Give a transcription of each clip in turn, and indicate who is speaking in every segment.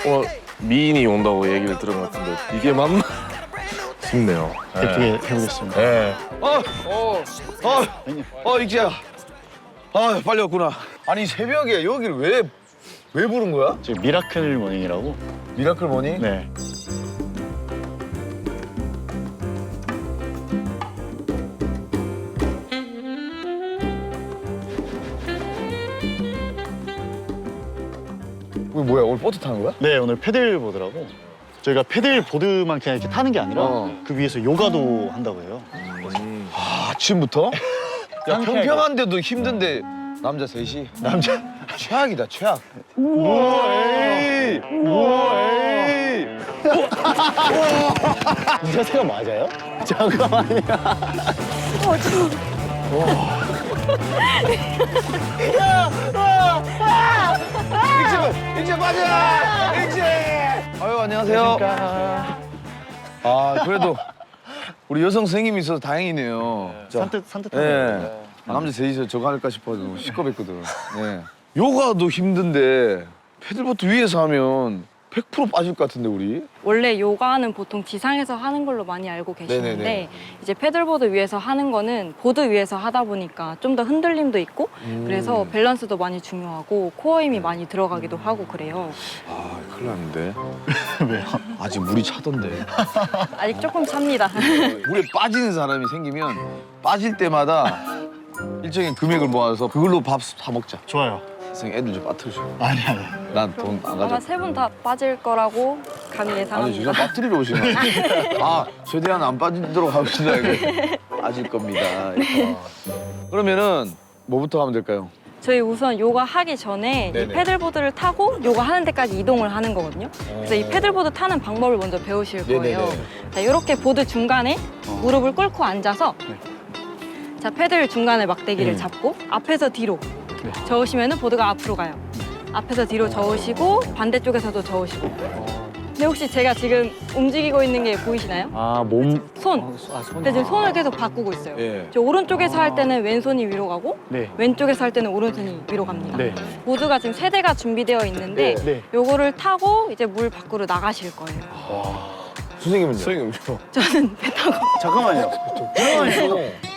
Speaker 1: 미인이 온다고 얘기를 들은 것 같은데 이게 맞나 싶네요.
Speaker 2: 예쁘게 해보겠습니다.
Speaker 1: 네.
Speaker 3: 익지야. 아, 빨리 왔구나. 아니, 새벽에 여기를 왜 부른 거야?
Speaker 2: 지금 미라클 모닝이라고.
Speaker 3: 미라클 모닝?
Speaker 2: 네.
Speaker 3: 이거 뭐야, 오늘 보트 타는 거야?
Speaker 2: 네, 오늘 패들보드라고. 저희가 패들보드만 그냥 이렇게 타는 게 아니라 그 위에서 요가도 한다고 해요.
Speaker 3: 아, 아침부터? 야,
Speaker 2: 상쾌하게.
Speaker 3: 평평한데도 힘든데 남자 셋이?
Speaker 2: 남자.
Speaker 3: 최악이다, 최악.
Speaker 2: 우와, 에이. 우와, 에이. 이 자세가 맞아요? 잠깐만요.
Speaker 3: 익지 빠져! 익지! 아유, 안녕하세요. 아, 그래도 우리 여성 선생님이 있어서 다행이네요. 자,
Speaker 2: 산뜻하네.
Speaker 3: 예. 남자 셋이서 저거 할까 싶어서 시끄럽거든. 네. 요가도 힘든데 패들보트 위에서 하면 100% 빠질 것 같은데 우리?
Speaker 4: 원래 요가는 보통 지상에서 하는 걸로 많이 알고 계시는데
Speaker 3: 네네네.
Speaker 4: 이제 패들보드 위에서 하는 거는 보드 위에서 하다 보니까 좀 더 흔들림도 있고 그래서 밸런스도 많이 중요하고 코어 힘이 많이 들어가기도 하고 그래요.
Speaker 3: 아, 큰일 났는데.
Speaker 2: 왜요?
Speaker 3: 아직 물이 차던데.
Speaker 4: 아직 조금 찹니다.
Speaker 3: 물에 빠지는 사람이 생기면 빠질 때마다 일정의 금액을 모아서 그걸로 밥 사 먹자.
Speaker 2: 좋아요.
Speaker 3: 선생님 애들 좀 빠뜨려줘.
Speaker 2: 아니.
Speaker 3: 난 돈 안
Speaker 4: 아마
Speaker 3: 가져.
Speaker 4: 세 분 다 빠질 거라고 감히
Speaker 3: 아니
Speaker 4: 예상합니다.
Speaker 3: 진짜 빠뜨리러 오신 거야. 아, 최대한 안 빠지도록 하시다 이거. 빠질 겁니다. 그러면은 뭐부터 하면 될까요?
Speaker 4: 저희 우선 요가 하기 전에 이
Speaker 3: 네네.
Speaker 4: 패들보드를 타고 요가 하는 데까지 이동을 하는 거거든요. 그래서 이 패들보드 타는 방법을 먼저 배우실 거예요.
Speaker 3: 네네네.
Speaker 4: 자, 이렇게 보드 중간에 무릎을 꿇고 앉아서 자, 패들 중간에 막대기를 잡고 앞에서 뒤로 저으시면 보드가 앞으로 가요. 앞에서 뒤로 저으시고 반대쪽에서도 저으시고. 근데 혹시 제가 지금 움직이고 있는 게 보이시나요?
Speaker 2: 아, 몸.
Speaker 4: 손.
Speaker 2: 손.
Speaker 4: 근데 지금 손을 계속 바꾸고 있어요.
Speaker 3: 예.
Speaker 4: 저 오른쪽에서 할 때는 왼손이 위로 가고
Speaker 2: 네.
Speaker 4: 왼쪽에서 할 때는 오른손이 위로 갑니다.
Speaker 2: 네.
Speaker 4: 보드가 지금 세 대가 준비되어 있는데
Speaker 2: 네.
Speaker 4: 요거를 타고 이제 물 밖으로 나가실 거예요.
Speaker 3: 선생님은요?
Speaker 1: 선생님
Speaker 4: 저는 배 타고.
Speaker 2: 잠깐만요. 잠깐만요.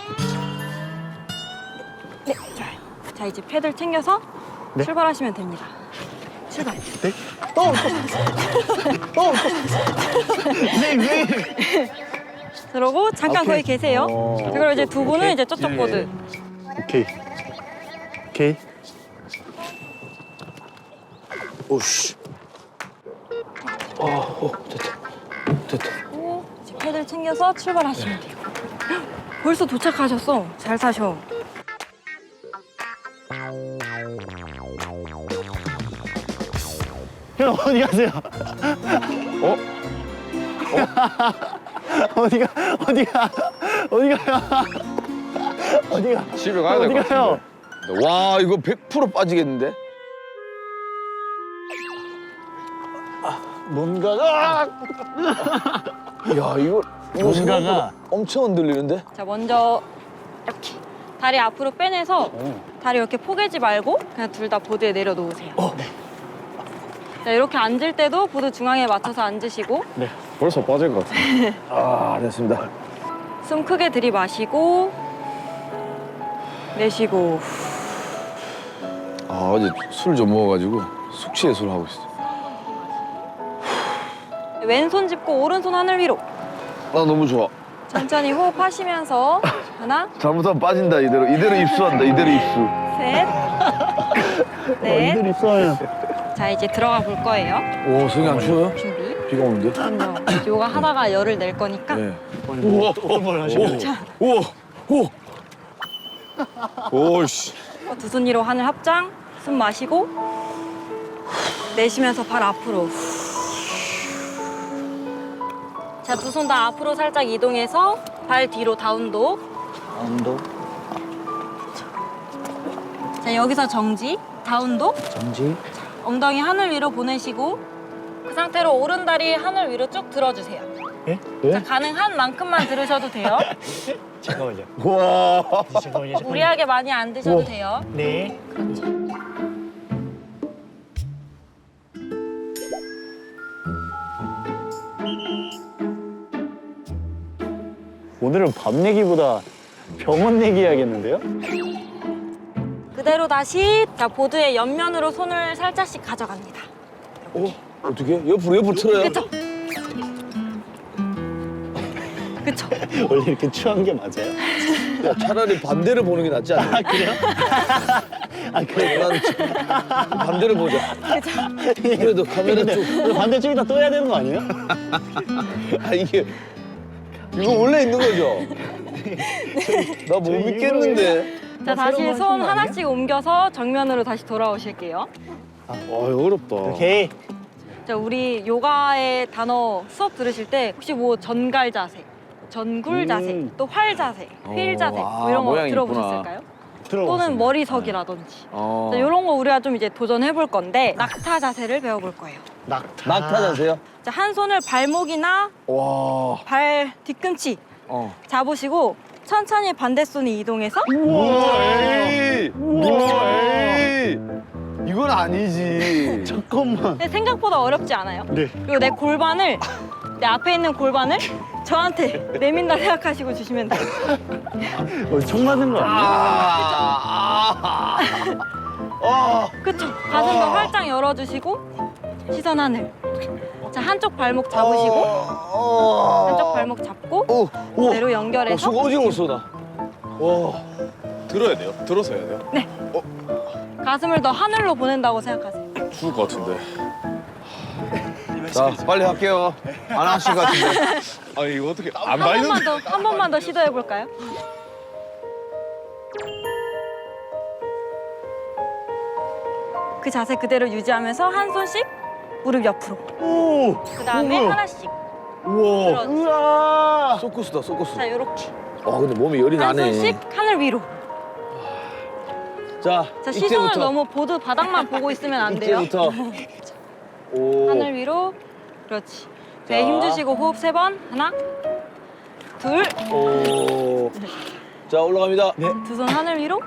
Speaker 4: 네, 좋아요. 자, 이제 패들 챙겨서
Speaker 2: 네.
Speaker 4: 출발하시면 됩니다. 출발.
Speaker 2: 네? 네.
Speaker 4: 그러고 잠깐 거기 계세요. 자, 그리고 이제 두 분은
Speaker 2: 오케이.
Speaker 4: 이제 저쪽
Speaker 2: 예,
Speaker 4: 보드.
Speaker 2: 오케이. 오케이.
Speaker 3: 오씨. 됐다.
Speaker 4: 그리고 이제 패들 챙겨서 출발하시면 돼요. 벌써 도착하셨어. 잘 타셔.
Speaker 2: 형 어디 가세요? 어디가? 어디가?
Speaker 3: 집에 가야 될
Speaker 2: 어디
Speaker 3: 것
Speaker 2: 가요?
Speaker 3: 같은데. 와, 이거 100% 빠지겠는데?
Speaker 2: 뭔가가
Speaker 3: 야, 이거
Speaker 2: 뭔가가-
Speaker 3: 생각보다 엄청 흔들리는데?
Speaker 4: 자, 먼저 이렇게 다리 앞으로 빼내서 다리 이렇게 포개지 말고 그냥 둘 다 보드에 내려놓으세요. 자, 이렇게 앉을 때도 보드 중앙에 맞춰서 앉으시고
Speaker 1: 벌써 빠질 것 같은데.
Speaker 3: 아, 됐습니다.
Speaker 4: 숨 크게 들이마시고 내쉬고.
Speaker 3: 아, 어제 술 좀 먹어가지고 숙취 해소를 하고 있어.
Speaker 4: 왼손 짚고 오른손 하늘 위로.
Speaker 3: 나 너무 좋아.
Speaker 4: 천천히 호흡하시면서 하나,
Speaker 3: 잘못하면 빠진다, 이대로. 이대로 입수한다, 이대로 입수.
Speaker 4: 셋, 넷.
Speaker 2: 이들 있어요.
Speaker 4: 자, 이제 들어가 볼 거예요.
Speaker 3: 오, 선생님 안 추워요?
Speaker 4: 준비.
Speaker 3: 비가 오는데?
Speaker 4: 그럼요. 요가 하다가 열을 낼 거니까.
Speaker 3: 네.
Speaker 2: 우와, 뭘 하시는 거예요?
Speaker 3: 우와, 오. 오씨.
Speaker 4: 두 손 위로 하늘 합장. 숨 마시고 내쉬면서 발 앞으로. 자, 두 손 다 앞으로 살짝 이동해서 발 뒤로 다운독.
Speaker 2: 언도
Speaker 4: 자, 여기서 정지. 다운독.
Speaker 2: 정지.
Speaker 4: 엉덩이 하늘 위로 보내시고 그 상태로 오른 다리 하늘 위로 쭉 들어주세요.
Speaker 2: 예?
Speaker 4: 자, 가능한 만큼만 들으셔도 돼요.
Speaker 2: 잠깐만요.
Speaker 3: 와.
Speaker 2: 잠깐만요.
Speaker 4: 무리하게 많이 안 드셔도 돼요.
Speaker 2: 네. 오늘은 밤 내기보다 병원 내기 해야겠는데요?
Speaker 4: 그대로 다시 자 보드의 옆면으로 손을 살짝씩 가져갑니다.
Speaker 3: 어떻게? 옆으로 틀어요?
Speaker 4: 그쵸? 그쵸?
Speaker 2: 원래 이렇게 추한 게 맞아요?
Speaker 3: 야, 차라리 반대를 보는 게 낫지 않아?
Speaker 2: 아 그래요? 아 그래요?
Speaker 3: 난 반대를 보자. 그래도 카메라 쪽.
Speaker 2: 근데 반대쪽에다 또 해야 되는 거 아니에요?
Speaker 3: 아 이게 이거 원래 있는 거죠? 나 못 믿겠는데.
Speaker 4: 자 다시 손 하나씩 옮겨서 정면으로 다시 돌아오실게요.
Speaker 3: 아 어렵다.
Speaker 2: 오케이.
Speaker 4: 자 우리 요가의 단어 수업 들으실 때 혹시 뭐 전갈 자세, 전굴 자세, 또 활 자세, 휠 자세 뭐 이런 거
Speaker 3: 모양이
Speaker 4: 들어보셨을까요? 또는
Speaker 2: 들어봤습니다.
Speaker 4: 머리석이라든지 자, 이런 거 우리가 좀 이제 도전해 볼 건데 낙타 자세를 배워볼 거예요.
Speaker 2: 낙타.
Speaker 3: 자세요?
Speaker 4: 자, 한 손을 발목이나
Speaker 3: 와.
Speaker 4: 발 뒤꿈치 잡으시고 천천히 반대 손이 이동해서
Speaker 3: 에이. 에이. 이건 아니지.
Speaker 2: 잠깐만.
Speaker 4: 근데 생각보다 어렵지 않아요.
Speaker 2: 네.
Speaker 4: 그리고 내 골반을 내 앞에 있는 골반을 저한테 내민다 생각하시고 주시면 돼요.
Speaker 2: 총 맞은 거 아니에요?
Speaker 4: 그쵸? 가슴도 활짝 열어주시고 시선 하늘. 자 한쪽 발목 잡으시고 한쪽 발목 잡고 그대로 연결해서
Speaker 3: 수고 오징어 쏘다. 와.
Speaker 1: 들어야 돼요? 들어서 해야 돼요?
Speaker 4: 가슴을 더 하늘로 보낸다고 생각하세요.
Speaker 1: 죽을 것 같은데.
Speaker 3: 자 빨리 할게요. 안 하실 것 같은데.
Speaker 1: 아 이거 어떻게 안
Speaker 4: 한 번만 더 시도해 볼까요? 그 자세 그대로 유지하면서 한 손씩 무릎 옆으로.
Speaker 2: 오.
Speaker 4: 그 다음에 하나씩.
Speaker 2: 우와.
Speaker 4: 들어주세요.
Speaker 2: 우와.
Speaker 3: 소쿠스다 소쿠스.
Speaker 4: 자 요렇게
Speaker 3: 근데 몸이 열이
Speaker 4: 한
Speaker 3: 나네.
Speaker 4: 손씩 하늘 위로.
Speaker 3: 자
Speaker 4: 시선을
Speaker 3: 이때부터.
Speaker 4: 너무 보드 바닥만 보고 있으면 안 돼요.
Speaker 3: 이때부터. 오.
Speaker 4: 하늘 위로. 그렇지. 배 힘 주시고 호흡 3번. 하나, 둘,
Speaker 3: 오. 자 올라갑니다.
Speaker 4: 두 손 하늘 위로.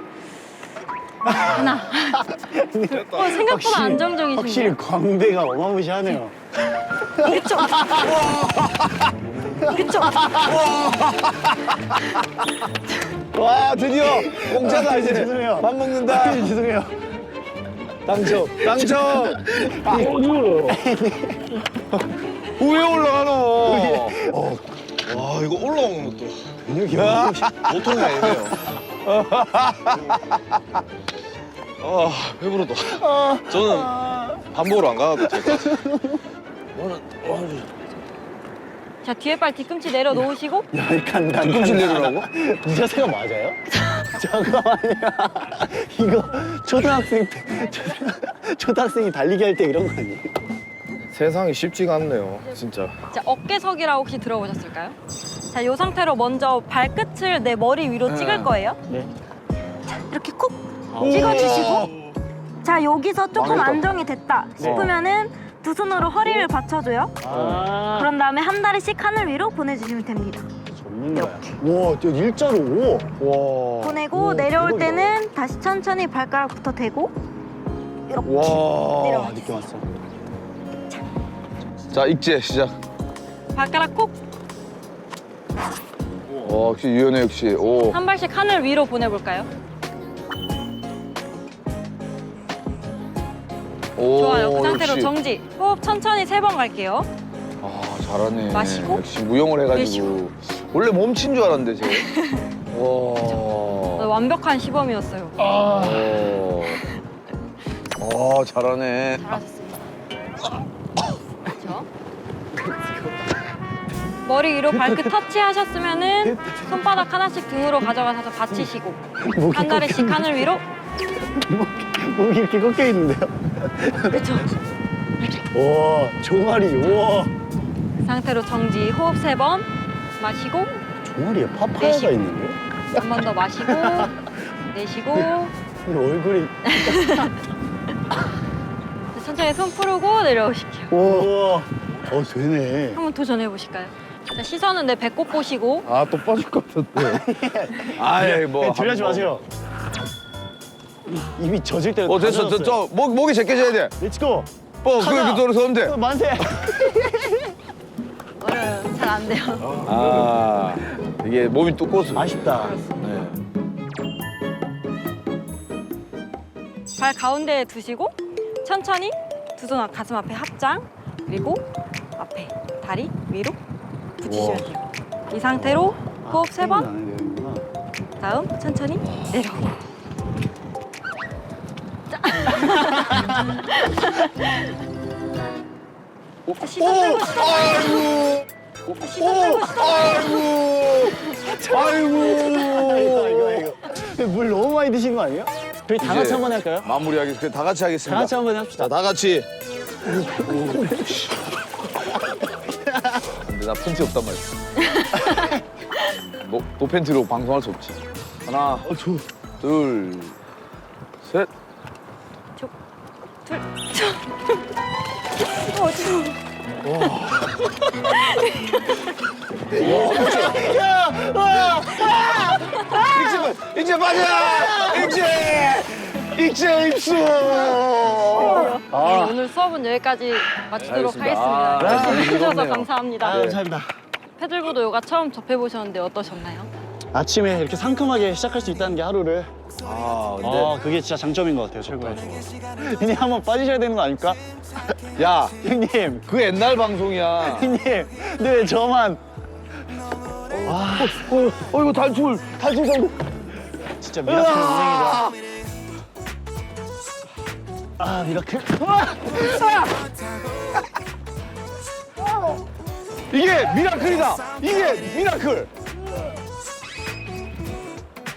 Speaker 4: 하나. 생각보다
Speaker 2: 확실히
Speaker 4: 안정적이신데요.
Speaker 2: 광대가 어마무시하네요.
Speaker 4: 그쵸? 그쵸?
Speaker 3: 와 드디어 공짜다 이제.
Speaker 2: 죄송해요.
Speaker 3: 밥 먹는다.
Speaker 2: 죄송해요.
Speaker 3: 당첨. 왜 올라가노?
Speaker 1: 와 이거 올라오는 것도
Speaker 2: 근육이
Speaker 1: 보통이 아니네요. 아 배부르다. 저는 밥 먹으러 안 가도 될 것 같아요.
Speaker 4: 자 뒤에 발 뒤꿈치 내려놓으시고
Speaker 2: 약간
Speaker 3: 뒤꿈치 내리라고?
Speaker 2: 이 자세가 맞아요? 잠깐만요. 이거 초등학생이 달리기 할 때 이런 거 아니에요?
Speaker 1: 세상이 쉽지가 않네요, 진짜.
Speaker 4: 자 어깨석이라고 혹시 들어보셨을까요? 자 이 상태로 먼저 발끝을 내 머리 위로 찍을 거예요.
Speaker 2: 네.
Speaker 4: 이렇게 쿡 찍어주시고 자 여기서 조금
Speaker 3: 망했다.
Speaker 4: 안정이 됐다 싶으면은 두 손으로 허리를 받쳐줘요. 그런 다음에 한 다리씩 하늘 위로 보내주시면 됩니다.
Speaker 2: 전문가야. 와, 저 일자로 오.
Speaker 3: 와.
Speaker 4: 보내고
Speaker 2: 오,
Speaker 4: 내려올
Speaker 2: 대박이다.
Speaker 4: 때는 다시 천천히 발가락부터 대고 이렇게
Speaker 3: 와.
Speaker 4: 내려와.
Speaker 2: 느낌 왔어.
Speaker 3: 자 익제 시작.
Speaker 4: 발가락 콕 한
Speaker 3: 역시 유연해 역시. 오.
Speaker 4: 발씩 하늘 위로 보내볼까요?
Speaker 3: 오.
Speaker 4: 좋아요. 그 상태로
Speaker 3: 역시.
Speaker 4: 정지. 호흡 천천히 3번 갈게요.
Speaker 3: 잘하네.
Speaker 4: 마시고,
Speaker 3: 역시 무용을 해가지고.
Speaker 4: 내쉬고.
Speaker 3: 원래 몸친 줄 알았는데 쟤. 와.
Speaker 4: 완벽한 시범이었어요.
Speaker 3: 잘하네.
Speaker 4: 잘하셨습니다. 그렇죠? 머리 위로 발끝 터치하셨으면은 손바닥 하나씩 등으로 가져가서 받치시고 한 다리씩 하늘 위로.
Speaker 2: 목이 이렇게 꺾여 있는데요?
Speaker 4: 그렇죠.
Speaker 2: 와, 종아리. 우와.
Speaker 4: 그 상태로 정지. 호흡 3번 마시고
Speaker 2: 종아리에 파파야가
Speaker 4: 내쉬고.
Speaker 2: 있는데?
Speaker 4: 한 번 더 마시고 내쉬고
Speaker 2: 근데 얼굴이.
Speaker 4: 천천히 손 풀고 내려오실게요.
Speaker 2: 우와. 되네.
Speaker 4: 한번 도전해 보실까요? 자, 시선은 내 배꼽 보시고
Speaker 3: 또 빠질 것 같은데. 아이 뭐.
Speaker 2: 들려지 마세요. 입이 젖을 때가
Speaker 3: 됐어. 목이 제껴져야 돼.
Speaker 2: 렛츠고.
Speaker 3: 그렇게 돌아서면 돼.
Speaker 2: 만세.
Speaker 4: 어려요. 잘 안 돼요.
Speaker 3: 되게 몸이 두꺼워서.
Speaker 2: 아쉽다.
Speaker 3: 네.
Speaker 4: 발 가운데에 두시고 천천히 두 손 가슴 앞에 합장 그리고 앞에 다리 위로 붙이시면 돼요. 이 상태로 호흡 3번. 다음 천천히 내려오고. 자. 시선 빼고 시선
Speaker 3: 아이고.
Speaker 4: 시선 빼고 시선
Speaker 3: 아이고.
Speaker 2: 물 너무 많이 드신 거 아니에요? 저희 다 같이
Speaker 3: 이제
Speaker 2: 한번 할까요?
Speaker 3: 마무리하겠습니다. 다 같이
Speaker 2: 다
Speaker 3: 하겠습니다.
Speaker 2: 같이 한번 합시다.
Speaker 3: 자, 다 같이. 근데 나 팬티 없단 말이야. 노 팬티로 방송할 수 없지. 하나, 둘, 셋.
Speaker 4: 둘. 어디서?
Speaker 3: 이제 맞아! 이제 입수!
Speaker 4: 네, 오늘 수업은 여기까지 마치도록
Speaker 3: 알겠습니다.
Speaker 4: 하겠습니다.
Speaker 3: 아,
Speaker 4: 열심히 해주셔서
Speaker 3: 즐겁네요.
Speaker 4: 감사합니다.
Speaker 2: 감사합니다.
Speaker 4: 패들보드 요가 처음 접해보셨는데 어떠셨나요?
Speaker 2: 아침에 이렇게 상큼하게 시작할 수 있다는 게 하루를.
Speaker 3: 아, 근데.
Speaker 2: 그게 진짜 장점인 것 같아요, 최고예요. 형님 한번 빠지셔야 되는 거 아닙니까?
Speaker 3: 야,
Speaker 2: 형님,
Speaker 3: 그 옛날 방송이야.
Speaker 2: 형님, 근데 왜 저만?
Speaker 3: 이거 탈출 성공.
Speaker 2: 진짜 미라클 운행이다. 아, 미라클.
Speaker 3: 이게 미라클이다. 이게 미라클.